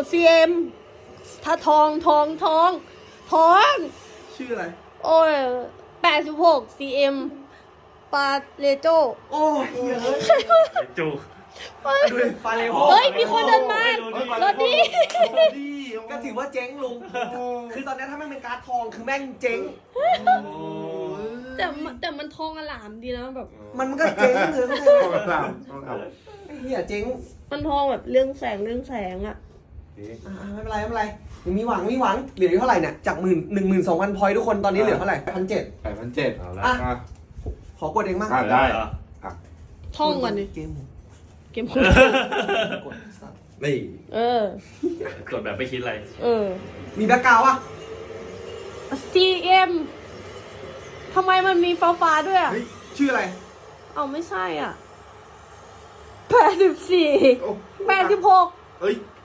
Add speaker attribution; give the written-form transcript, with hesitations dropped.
Speaker 1: CM ถ้าทอง
Speaker 2: ชื่ออะไร
Speaker 1: โอ้ย86 CM ปาเลโจ
Speaker 2: โอ้ยเฮ้ย
Speaker 3: จู
Speaker 2: ดูดิปาเลโฮ
Speaker 1: เฮ้ย มีคนเดินมารถนี้
Speaker 2: ก็ถือว่าเจ๊งลุง คือตอนนี้ถ้าแม่งเป็นการ์ดทองคือแม่งเจ๊ง
Speaker 1: แต่มันทองอลามดีนะแบบ
Speaker 2: มันก็เจ๊งเลยเข้าใจไหม
Speaker 4: ต้องทำต้องท
Speaker 2: ไอ้เหี้ยเจ๊ง
Speaker 1: มันทองแบบเรื่องแสงอ่ะ
Speaker 2: ไม่เป็นไรยังมีหวังเหลืออยู่เท่าไหร่เนี่ยจาก12,000 พอยต์ทุกคนตอนนี้เหลือเท่าไหร่1,700
Speaker 4: 8,700เอาละ
Speaker 2: อ่ะ
Speaker 4: อ่ะ
Speaker 2: ขอกดเองมั่ง
Speaker 4: ได้
Speaker 3: เหรอ
Speaker 1: ท่องก่อนดิ
Speaker 2: เกม
Speaker 1: เกมคน
Speaker 2: กดสัตว์
Speaker 4: นี่
Speaker 1: เออ
Speaker 3: กดแบบไม่คิดอะไร
Speaker 1: เออ
Speaker 2: มีแบ็คกราวด์ป่ะ
Speaker 1: CM ทำไมมันมีฟ้าด้วยอ่ะ
Speaker 2: เฮ้ยชื่ออะไร
Speaker 1: เอาไม่ใช่อ่ะ84 86
Speaker 4: เฮ้ย